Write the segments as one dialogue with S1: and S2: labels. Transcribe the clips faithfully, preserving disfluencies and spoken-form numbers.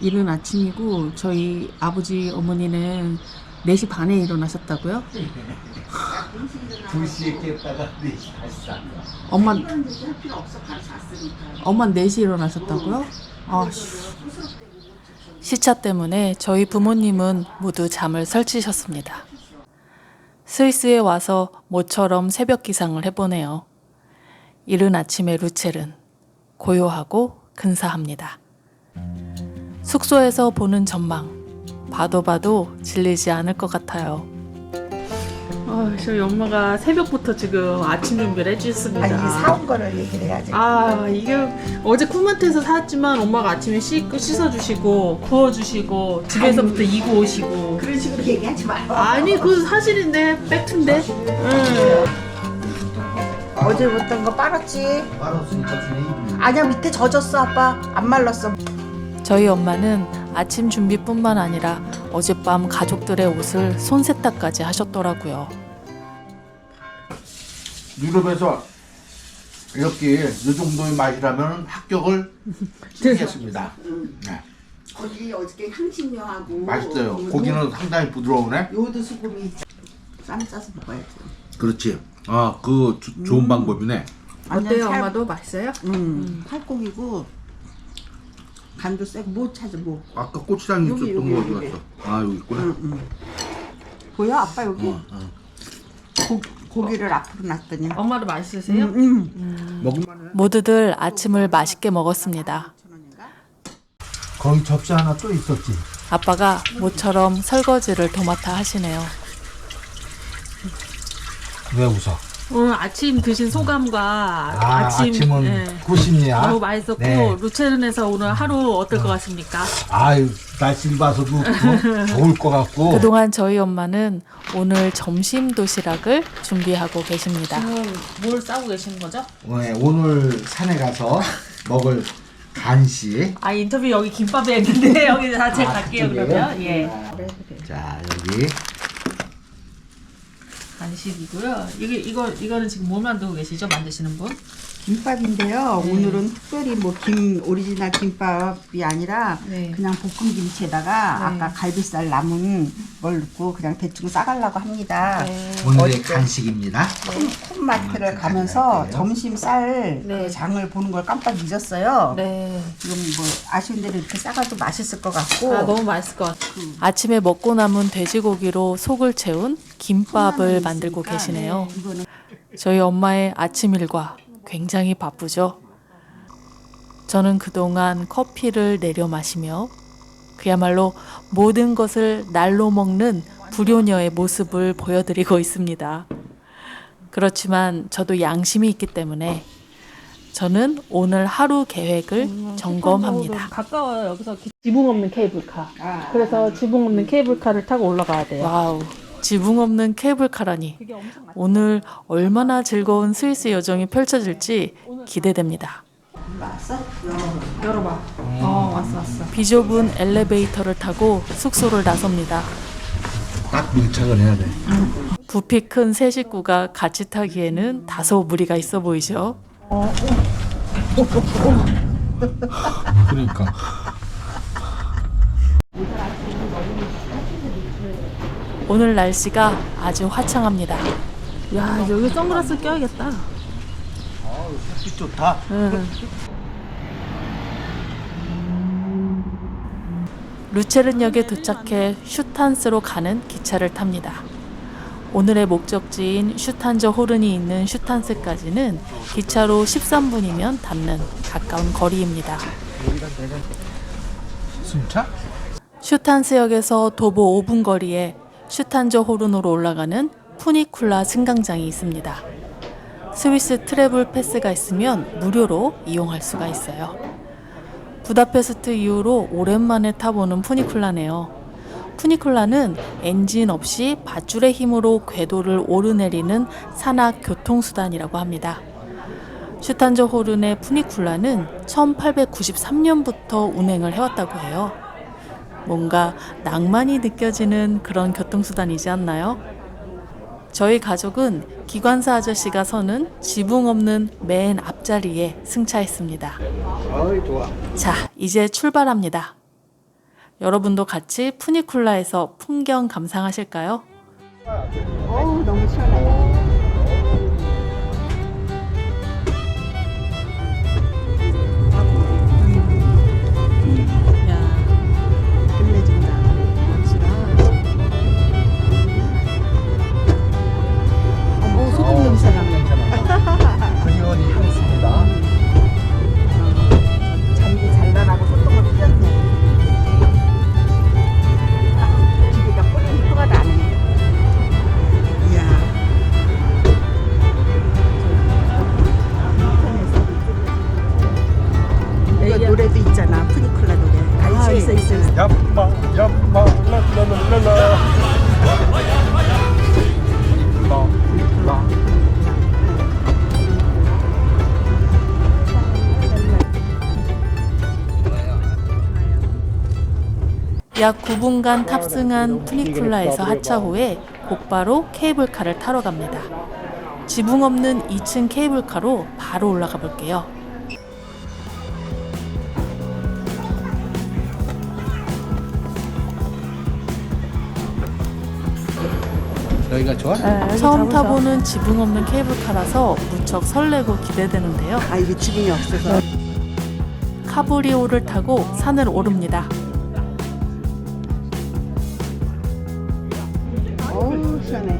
S1: 이른 아침이고 저희 아버지 어머니는 네 시 반에 일어나셨다고요?
S2: 두 시에 깼다가 네 시 다시 잤다.
S1: 엄마 엄마 네 시 일어나셨다고요? 아휴. 시차 때문에 저희 부모님은 모두 잠을 설치셨습니다. 스위스에 와서 모처럼 새벽 기상을 해보네요. 이른 아침의 루첼은 고요하고 근사합니다. 숙소에서 보는 전망, 봐도 봐도 질리지 않을 것 같아요. 아, 저희 엄마가 새벽부터 지금 아침 준비를 해주셨습니다.
S3: 아니 사온 거를 얘기를 해야지.
S1: 아, 이게 어제 쿨마트에서 사왔지만 엄마가 아침에 씻, 씻어주시고 구워주시고 집에서부터 이고 오시고.
S3: 그런 식으로 얘기하지 마요.
S1: 아니, 그거 사실인데 팩트인데. 응.
S3: 어제 못한 거 빨았지.
S2: 빨았으니까 그냥 입으면.
S3: 아니야 밑에 젖었어 아빠. 안 말랐어.
S1: 저희 엄마는 아침 준비뿐만 아니라 어젯밤 가족들의 옷을 손세탁까지 하셨더라고요.
S2: 유럽에서 이렇게 이 정도의 맛이라면 합격을 드리겠습니다. 네.
S3: 거기 어저께 향신료하고
S2: 맛있어요. 고기는 상당히 부드러우네.
S3: 요드 수금이 쌈 싸서 먹어야지.
S2: 그렇지. 아, 그 조- 좋은 방법이네.
S1: 어때요,
S3: 살-
S1: 엄마도 맛있어요?
S3: 음, 살코기고 간도 세고 뭐 찾아 뭐.
S2: 아까 고추장
S3: 여기,
S2: 있었던
S3: 여기,
S2: 거 어디
S3: 여기.
S2: 갔어? 아, 여기 있구나.
S3: 응, 응. 보여 아빠 여기
S2: 어, 어.
S3: 고, 고기를 앞으로 놨더니.
S1: 엄마도 맛있으세요?
S3: 응, 응.
S2: 먹을만해.
S1: 모두들 아침을 맛있게 먹었습니다.
S2: 거기 접시 하나 또 있었지.
S1: 아빠가 모처럼 설거지를 도맡아 하시네요.
S2: 왜 웃어?
S1: 오늘 아침 드신 소감과
S2: 아, 아침은
S1: 예,
S2: 구십이야.
S1: 너무 맛있었고
S2: 네.
S1: 루체른에서 오늘 하루 어떨 것 같습니까?
S2: 아유, 날씨를 봐서도 어? 좋을 것 같고.
S1: 그동안 저희 엄마는 오늘 점심 도시락을 준비하고 계십니다.
S4: 지금 뭘 싸고 계시는 거죠?
S2: 네, 오늘 산에 가서 먹을 간식.
S4: 아 인터뷰 여기 김밥에 있는데 여기 다 제가
S2: 아,
S4: 갈게요
S2: 그쪽이에요?
S4: 그러면 예
S2: 자, 여기
S4: 간식이고요. 이게 이거 이거는 지금 뭐 만들고 계시죠? 만드시는 분?
S3: 김밥인데요. 오늘은 특별히 뭐 김 오리지널 김밥이 아니라
S4: 네.
S3: 그냥 볶음 김치에다가 아까 갈비살 남은 걸 넣고 그냥 대충 싸가려고 합니다.
S2: 오늘의
S3: 어제
S2: 간식입니다.
S3: 큰, 큰 마트를 가면서
S2: 가져갈게요.
S3: 점심 쌀
S4: 네.
S3: 그 장을 보는 걸 깜빡 잊었어요.
S4: 네.
S3: 지금 뭐 아쉬운 대로 이렇게 싸가도 맛있을 것 같고.
S4: 아 너무 맛있을 것 같아요.
S1: 아침에 먹고 남은 돼지고기로 속을 채운 김밥을 만들고 계시네요.
S3: 이거는
S1: 저희 엄마의 아침 일과 굉장히 바쁘죠. 저는 그동안 커피를 내려 마시며 그야말로 모든 것을 날로 먹는 불효녀의 모습을 보여드리고 있습니다. 그렇지만 저도 양심이 있기 때문에 저는 오늘 하루 계획을 점검합니다.
S4: 가까워요. 여기서 지붕 없는 케이블카.
S3: 아,
S4: 그래서 지붕 없는 케이블카를 타고 올라가야 돼요.
S1: 와우, 지붕 없는 케이블카라니. 오늘 얼마나 즐거운 스위스 여정이 펼쳐질지 기대됩니다.
S3: 왔어?
S4: 열어봐. 어 왔어 왔어.
S1: 비좁은 엘리베이터를 타고 숙소를 나섭니다.
S2: 딱 밀착을 해야 돼.
S1: 부피 큰 세 식구가 같이 타기에는 다소 무리가 있어 보이죠?
S2: 그러니까.
S1: 오늘 날씨가 아주 화창합니다.
S4: 야 여기 선글라스 껴야겠다.
S2: 햇빛 좋다.
S1: 루체른역에 도착해 슈탄스로 가는 기차를 탑니다. 오늘의 목적지인 슈탄저 호른이 있는 슈탄스까지는 기차로 십삼 분이면 닿는 가까운 거리입니다.
S2: 순차?
S1: 슈탄스역에서 도보 오 분 거리에 슈탄저 호른으로 올라가는 푸니쿨라 승강장이 있습니다. 스위스 트래블 패스가 있으면 무료로 이용할 수가 있어요. 부다페스트 이후로 오랜만에 타보는 푸니쿨라네요. 푸니쿨라는 엔진 없이 밧줄의 힘으로 궤도를 오르내리는 산악 교통수단이라고 합니다. 슈탄저 호른의 푸니쿨라는 천팔백구십삼 년부터 운행을 해왔다고 해요. 뭔가 낭만이 느껴지는 그런 교통수단이지 않나요? 저희 가족은 기관사 아저씨가 서는 지붕 없는 맨 앞자리에 승차했습니다.
S2: 어이, 좋아.
S1: 자, 이제 출발합니다. 여러분도 같이 푸니쿨라에서 풍경 감상하실까요?
S3: 어우 너무 시원해.
S1: 야,
S3: 끝내준다. 어머 소금 냄새가.
S2: 그리온이 향수입니다.
S3: 잔디 잘라나고 소금을 뿌렸네. 기계가 뿌리는 표가 나네. 이야. 이거 노래도 있잖아. 푸니쿨라 노래. 알지? 아, 있어 있어 있어.
S2: 얌마 얌마 랄랄랄랄라. 이쁘다 이쁘다.
S1: 약 구 분간 탑승한 푸니쿨라에서 하차 후에 곧바로 케이블카를 타러 갑니다. 지붕 없는 이 층 케이블카로 바로 올라가 볼게요.
S2: 여기가 좋아?
S1: 처음 타보는 지붕 없는 케이블카라서 무척 설레고 기대되는데요.
S3: 아 이게 지붕이 없어서.
S1: 카브리오를 타고 산을 오릅니다.
S3: 어우 시원해.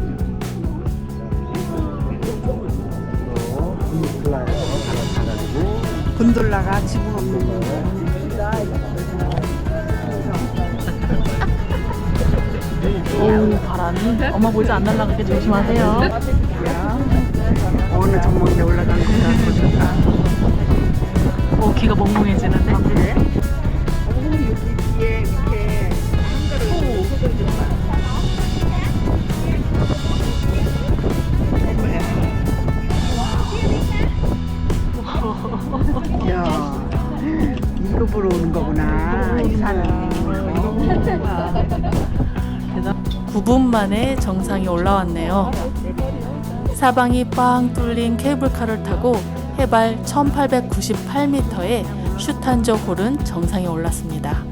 S2: 푸니쿨라에서 가가지고
S3: 곤돌라가 지붕 없는 거.
S1: 오, 바람이 엄마 보이지 안 날아가게 조심하세요.
S3: 어느 전망대 올라가는 거다. 좋다.
S1: 오, 귀가 멍멍해지는데.
S3: 그래? 오 여기 뒤에 이렇게 한가로 소금 좀 봐. 이야 이거 보러 오는 거구나. 이 산은.
S1: 구 분 만에 정상에 올라왔네요. 사방이 빵 뚫린 케이블카를 타고 해발 천팔백구십팔 미터의 슈탄저 홀은 정상에 올랐습니다.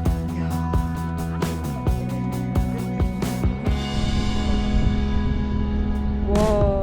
S3: 와.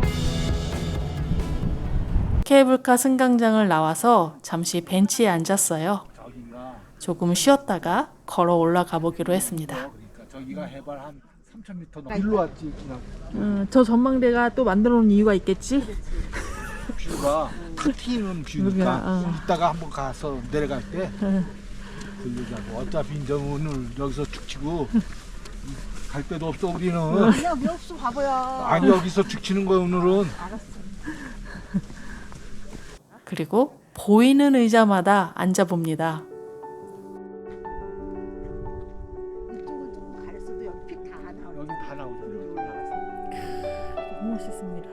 S1: 케이블카 승강장을 나와서 잠시 벤치에 앉았어요. 조금 쉬었다가 걸어 올라가 보기로 했습니다.
S2: 그러니까 저기가 해발 한 삼천 미터 넘. 일로 왔지 그냥.
S4: 음, 저 전망대가 또 만들어 놓은 이유가 있겠지?
S2: 뷰가 탁 튀는 뷰니까
S4: 여기야, 어.
S2: 이따가 한번 가서 내려갈 때 들르자고. 어차피 이제 오늘 여기서 축치고 갈 데도 없어 우리는.
S3: 아니야 왜 없어 바보야.
S2: 아니 여기서 축치는 거야 오늘은.
S1: 그리고 보이는 의자마다 앉아봅니다.
S3: 이쪽은 조금 가렸어도 여기 픽 다 나오네.
S2: 여기 다 나오잖아.
S1: 너무 멋있습니다.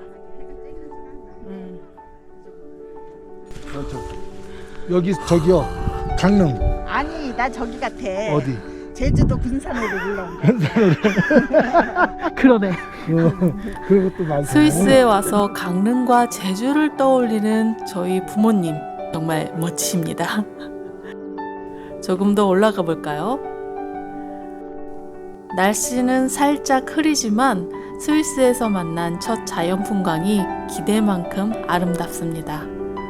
S2: 그렇죠. 여기 저기요 강릉
S3: 아니 나 저기 같아.
S2: 어디?
S3: 제주도 군산으로 올라온 거.
S1: 그러네.
S2: 그런 것도 많고.
S1: 스위스에 와서 강릉과 제주를 떠올리는 저희 부모님 정말 멋지십니다. 조금 더 올라가 볼까요? 날씨는 살짝 흐리지만 스위스에서 만난 첫 자연 풍광이 기대만큼 아름답습니다.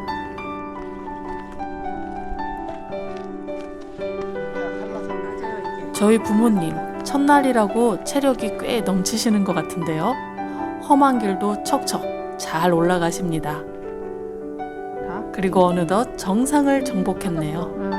S1: 저희 부모님 첫날이라고 체력이 꽤 넘치시는 것 같은데요. 험한 길도 척척 잘 올라가십니다. 그리고 어느덧 정상을 정복했네요.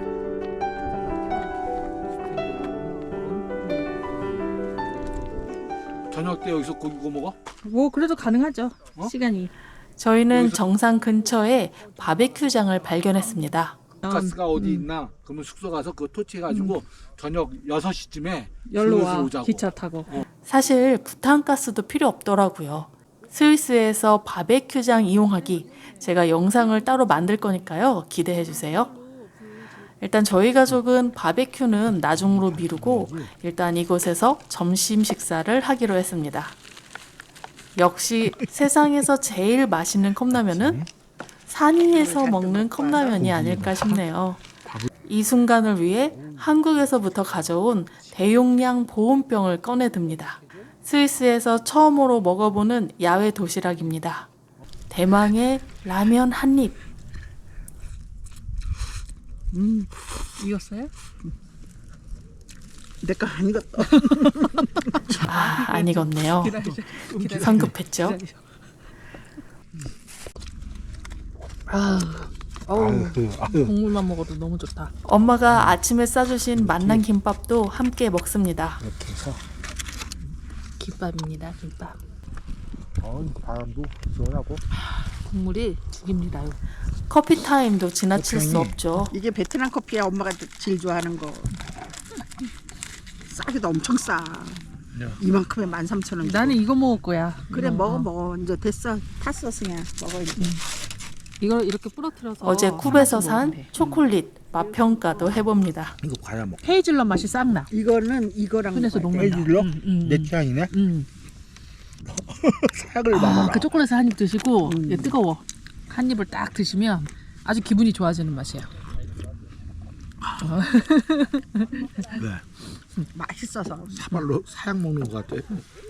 S2: 저녁 때 여기서 고기 구워 먹어?
S4: 뭐 그래도 가능하죠.
S2: 어?
S4: 시간이.
S1: 저희는 정상 근처에 바베큐장을 발견했습니다.
S2: 가스가 어디 있나? 그러면 숙소 가서 그거 토치해가지고 저녁 여섯 시쯤에
S4: 열로 와.
S2: 오자고.
S4: 기차 타고.
S1: 사실 부탄가스도 필요 없더라고요. 스위스에서 바베큐장 이용하기, 제가 영상을 따로 만들 거니까요. 기대해 주세요. 일단 저희 가족은 바베큐는 나중으로 미루고 일단 이곳에서 점심 식사를 하기로 했습니다. 역시 세상에서 제일 맛있는 컵라면은 산 위에서 먹는 컵라면이 아닐까 싶네요. 이 순간을 위해 한국에서부터 가져온 대용량 보온병을 꺼내듭니다. 스위스에서 처음으로 먹어보는 야외 도시락입니다. 대망의 라면 한 입.
S4: 음, 익었어요?
S3: 내거 안 익었어.
S1: 아, 안 익었네요.
S4: 기다리죠. 기다리죠.
S1: 성급했죠.
S4: 기다리죠. 아, 어우,
S2: 아유, 아유.
S4: 국물만 먹어도 너무 좋다.
S1: 엄마가 아침에 싸주신 만난 김밥도 함께 먹습니다.
S2: 이렇게 해서
S4: 김밥입니다, 김밥.
S2: 어, 바람도 시원하고.
S4: 국물이 죽입니다요.
S1: 커피 타임도 지나칠 수 없죠.
S3: 이게 베트남 커피야. 엄마가 제일 좋아하는 거. 싸기도 엄청 싸. 이만큼에 만 삼천 원.
S4: 나는 이거 먹을 거야.
S3: 그래
S4: 이거.
S3: 먹어 먹어. 이제 됐어. 탔어 그냥 먹어 이제.
S4: 이걸 이렇게 부러뜨려서
S1: 어제 쿱에서 산
S4: 하나씩 먹으면 돼.
S1: 초콜릿 맛 평가도 해봅니다.
S2: 이거 과자 먹.
S4: 헤이즐넛 맛이 싹 나.
S3: 이거는 이거랑
S4: 손에서
S3: 먹어야
S4: 녹는다.
S3: 돼.
S2: 헤이즐넛?
S4: 음, 음,
S2: 내 취향이네.
S4: 음.
S2: 사약을
S4: 아,
S2: 먹어라.
S4: 그 초콜릿을 한 입 드시고
S3: 음.
S4: 이게 뜨거워. 한 입을 딱 드시면 아주 기분이 좋아지는 맛이야.
S2: 네.
S3: 맛있어서.
S2: 사발로 사약 먹는 것 같아.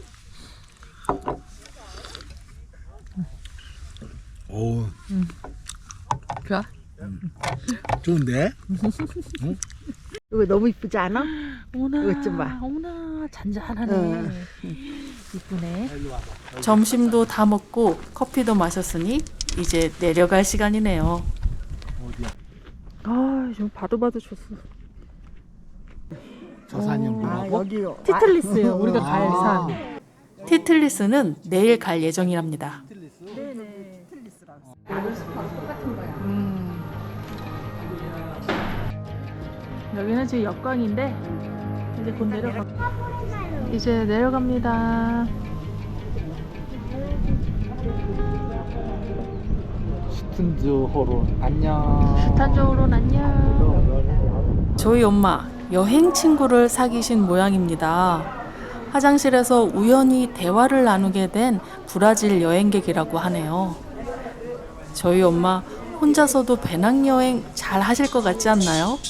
S2: 오,
S4: 좋아?
S2: 좋은데?
S3: 이거 너무 이쁘지 않아?
S4: 오나,
S3: 이것 좀 봐.
S4: 오나 잔잔하네.
S3: 응.
S4: 이쁘네.
S1: 점심도 다 먹고 커피도 마셨으니 이제 내려갈 시간이네요.
S2: 어디야?
S4: 아, 좀 봐도 봐도 좋았어.
S2: 저 산이
S3: 아
S2: 뭐라고?
S3: 여기요.
S4: 티틀리스예요. 우리가 갈
S2: 아.
S4: 산.
S1: 티틀리스는 내일 갈 예정이랍니다.
S4: 음. 여기는 지금 역광인데 이제 곧 내려가. 이제 내려갑니다.
S2: 스탠드 호론 안녕.
S4: 탄저우론 안녕.
S1: 저희 엄마 여행 친구를 사귀신 모양입니다. 화장실에서 우연히 대화를 나누게 된 브라질 여행객이라고 하네요. 저희 엄마 혼자서도 배낭여행 잘 하실 것 같지 않나요?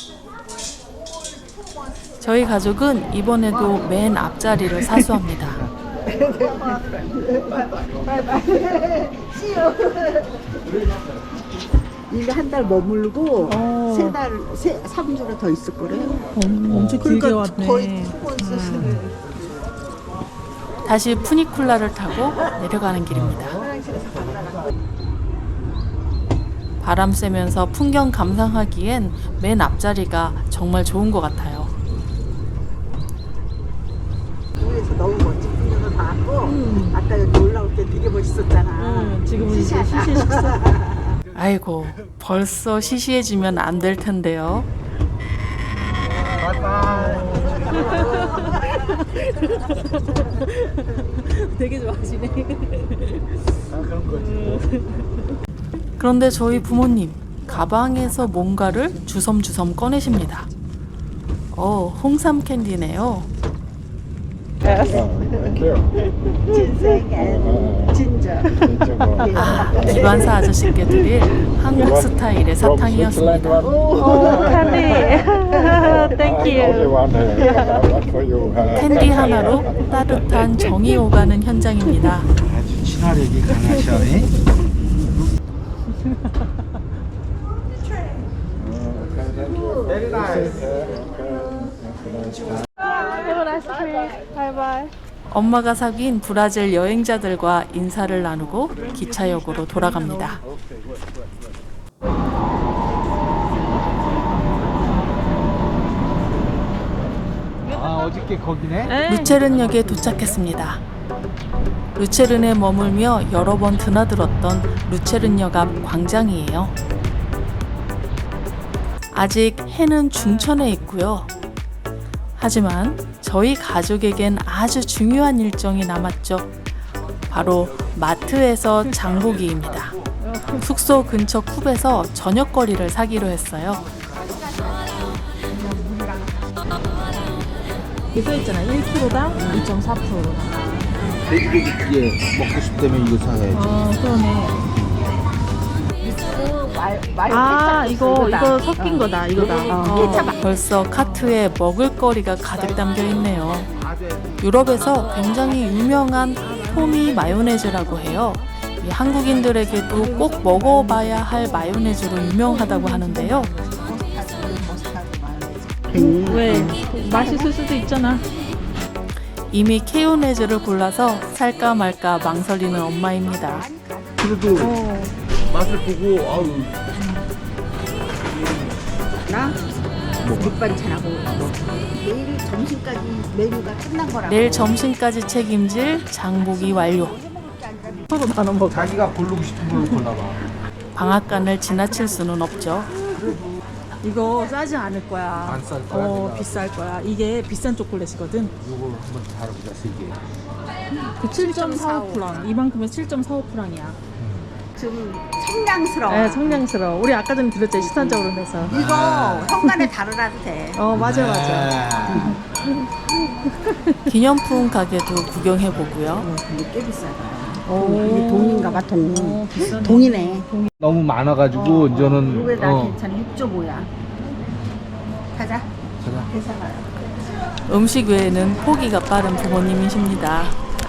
S1: 저희 가족은 이번에도 맨 앞자리를 사수합니다.
S3: 이게 한 달 머물고
S4: 어.
S3: 세 달, 세, 삼 주를 더 있을 거래요.
S4: 엄청 길게
S3: 그러니까
S4: 왔네.
S3: 거의 두번 쓰시는.
S1: 다시 푸니쿨라를 타고 내려가는 길입니다. 바람 쐬면서 풍경 감상하기엔 맨 앞자리가 정말 좋은 것 같아요.
S3: 위에서 너무 멋진 풍경을 봤고 아까 여기 올라올 때 되게 멋있었잖아.
S4: 음, 지금은 이제
S3: 시시하다.
S4: 시시 식사.
S1: 아이고, 벌써 시시해지면 안 될 텐데요.
S4: 되게 좋아하시네.
S1: 그런데 저희 부모님 가방에서 뭔가를 주섬주섬 꺼내십니다. 어, 홍삼 캔디네요.
S3: 진생 앤 진저.
S1: 아, 기관사 아저씨께 드릴 한국 스타일의 사탕이었습니다. 캔디 하나로 따뜻한 정이 오가는 현장입니다.
S2: 아주 친화력이 강하셔.
S1: 엄마가 사귄 브라질 여행자들과 인사를 나누고 기차역으로 돌아갑니다.
S2: 아 어저께 거기네?
S1: 루체른역에 도착했습니다. 루체른에 머물며 여러 번 드나들었던 루체른역 앞 광장이에요. 아직 해는 중천에 있고요. 하지만 저희 가족에겐 아주 중요한 일정이 남았죠. 바로 마트에서 장보기입니다. 숙소 근처 쿱에서 저녁거리를 사기로 했어요.
S4: 여기 써있잖아. 일 킬로그램당 이 점 사 퍼센트.
S2: 돼지고기 예 먹고 싶다면 이거 사야지.
S4: 아, 그러네.
S3: 미스 말 마요
S4: 아
S3: 케찹
S4: 이거
S3: 이거다.
S4: 이거 섞인
S3: 어.
S4: 거다 이거다.
S3: 어. 케찹
S1: 벌써 카트에 먹을거리가 가득 담겨 있네요. 유럽에서 굉장히 유명한 토미 마요네즈라고 해요. 이 한국인들에게도 꼭 먹어봐야 할 마요네즈로 유명하다고 하는데요.
S3: 괜히
S4: 왜 맛있을 수도 있잖아.
S1: 이미 케요네즈를 골라서 살까 말까 망설이는 엄마입니다.
S2: 그래도
S4: 어.
S2: 맛을 보고 아우
S3: 나 밑반찬하고 뭐 내일 점심까지 메뉴가 끝난 거라고.
S1: 내일 점심까지 책임질 장보기 완료.
S4: 서로 나눠 먹어.
S2: 자기가 고르고 싶은 걸로 골라봐.
S1: 방앗간을 지나칠 수는 없죠.
S4: 이거 싸지 않을 거야.
S2: 안 쌀 거야,
S4: 어
S2: 내가.
S4: 비쌀 거야. 이게 비싼 초콜릿이거든.
S2: 요거 한번 다뤄보자 세 개.
S4: 그 칠 점 사오 프랑. 이만큼에 칠 점 사오 프랑이야.
S3: 좀 청량스러워.
S4: 네, 청량스러워. 우리 아까 전에 들었죠, 시선적으로 내서.
S3: 이거 현관에 달아놔도 돼.
S4: 어 맞아 맞아.
S1: 기념품 가게도 구경해 보고요.
S3: 어, 근데 꽤 비싸다.
S4: 오.
S3: 이게 동인가 봐, 동.
S4: 어, 비싸네.
S3: 동이네.
S2: 너무 많아가지고 이제는
S3: 이거에 나
S2: 어.
S3: 괜찮아. 육 점 오야. 가자.
S2: 가자.
S3: 계산하라.
S1: 음식 외에는 포기가 빠른 부모님이십니다.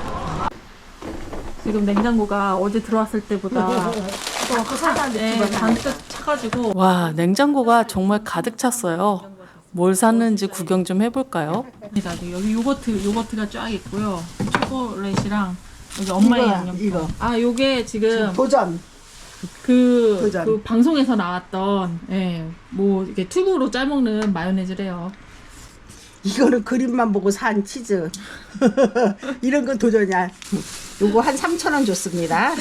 S4: 지금 냉장고가 어제 들어왔을 때보다 또 차가 네, 잔뜩 차가지고
S1: 와, 냉장고가 정말 가득 찼어요. 뭘 샀는지 구경 좀 해볼까요?
S4: 여기 요거트 요거트가 쫙 있고요. 초콜릿이랑 여기 엄마의
S3: 이거야,
S4: 양념.
S3: 이거.
S4: 아 요게 지금
S3: 도전.
S4: 그,
S3: 도전.
S4: 그 방송에서 나왔던 예, 뭐 이렇게 튜브로 짜먹는 마요네즈래요.
S3: 이거는 그림만 보고 산 치즈. 이런 건 도전이야. 요거 한 삼천 원 줬습니다.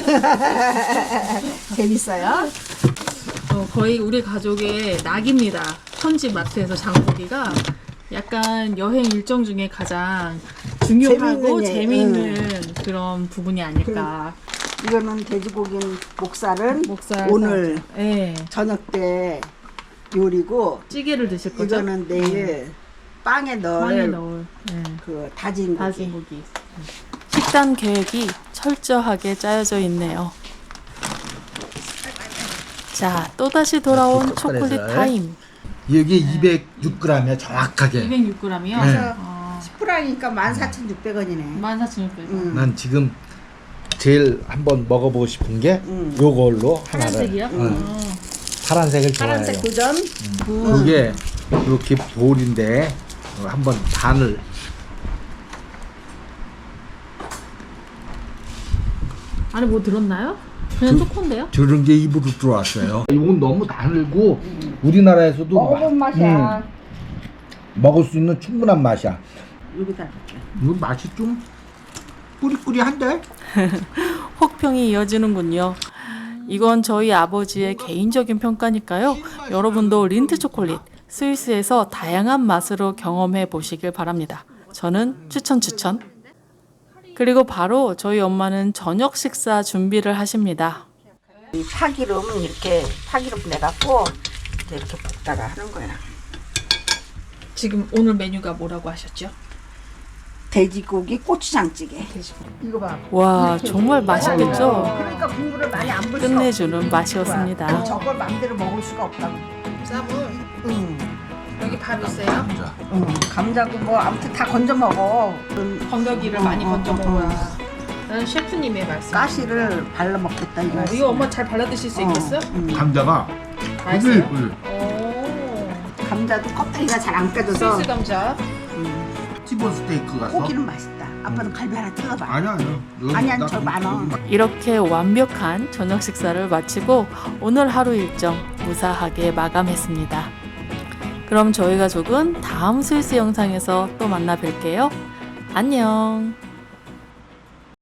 S3: 재밌어요?
S4: 어, 거의 우리 가족의 낙입니다. 현지 마트에서 장보기가 약간 여행 일정 중에 가장 중요하고
S3: 재밌는 예,
S4: 재미있는 그런 부분이 아닐까.
S3: 이거는 돼지고기는 목살은
S4: 목살
S3: 오늘
S4: 예.
S3: 저녁 때 요리고,
S4: 찌개를 드실 거죠?
S3: 이거는 내일 빵에 넣을
S4: 빵에 넣을 예.
S3: 그 다진 고기.
S4: 다진 고기.
S1: 식단 계획이 철저하게 짜여져 있네요. 자, 또다시 돌아온 초콜릿 타임.
S2: 이게 이백육 그램이야 정확하게.
S4: 이백육 그램이요?
S2: 네.
S4: 어,
S3: 십 프랑이니까 만 사천육백 원이네.
S4: 만 사천육백 원.
S3: 음.
S2: 난 지금 제일 한번 먹어보고 싶은 게
S3: 음.
S2: 요걸로
S4: 파란색이요?
S2: 하나를. 응.
S4: 어.
S2: 파란색을 좋아해요.
S3: 파란색 도전.
S2: 그게 이렇게 볼인데 한번 반을
S4: 안에 뭐 들었나요? 그냥
S2: 그-
S4: 초코인데요?
S2: 저런 게 입으로 들어왔어요. 이건 너무 달고 우리나라에서도
S3: 먹어본
S2: 마-
S3: 맛이야.
S2: 음, 먹을 수 있는 충분한 맛이야.
S3: 여기다 줄게.
S2: 이거 맛이 좀 꾸리꾸리한데?
S1: 혹평이 이어지는군요. 이건 저희 아버지의 개인적인 평가니까요. 여러분도 린트 초콜릿, 스위스에서 다양한 맛으로 경험해 보시길 바랍니다. 저는 추천 추천. 그리고 바로 저희 엄마는 저녁 식사 준비를 하십니다.
S3: 이 파기름 이렇게 파기름 내갖고 이렇게 볶다가 하는 거야.
S4: 지금 오늘 메뉴가 뭐라고 하셨죠?
S3: 돼지고기 고추장찌개. 이거 봐.
S1: 와, 정말 맛있겠죠?
S3: 그러니까 국물을 많이 안 불.
S1: 끝내주는 맛이었습니다.
S3: 저걸 마음대로 먹을 수가 없다고.
S4: 쌈을
S3: 응.
S4: 여기 밥 있어요?
S2: 자,
S3: 응. 감자고 뭐 아무튼 다 건져 먹어.
S4: 건더기를 많이
S3: 어,
S4: 건져
S3: 어,
S4: 먹어야. 나는 셰프님의 말씀.
S3: 가시를 발라 먹겠다 이거.
S4: 어, 이거 엄마 잘 발라 드실 수 있겠어?
S3: 응.
S2: 감자가
S4: 맛있어요?
S2: 뿌들뿌들.
S4: 오.
S3: 감자도 껍데기가 잘 안 깨져서.
S4: 스위스 감자.
S3: 응.
S2: 티본 스테이크 같어.
S3: 고기는 맛있다. 아빠는 갈비 하나 뜯어봐.
S2: 아니야 아니야. 여기
S3: 아니야,
S2: 나-
S3: 저 많아.
S1: 이렇게 완벽한 저녁 식사를 마치고 오늘 하루 일정 무사하게 마감했습니다. 그럼 저희 가족은 다음 스위스 영상에서 또 만나 뵐게요. 안녕.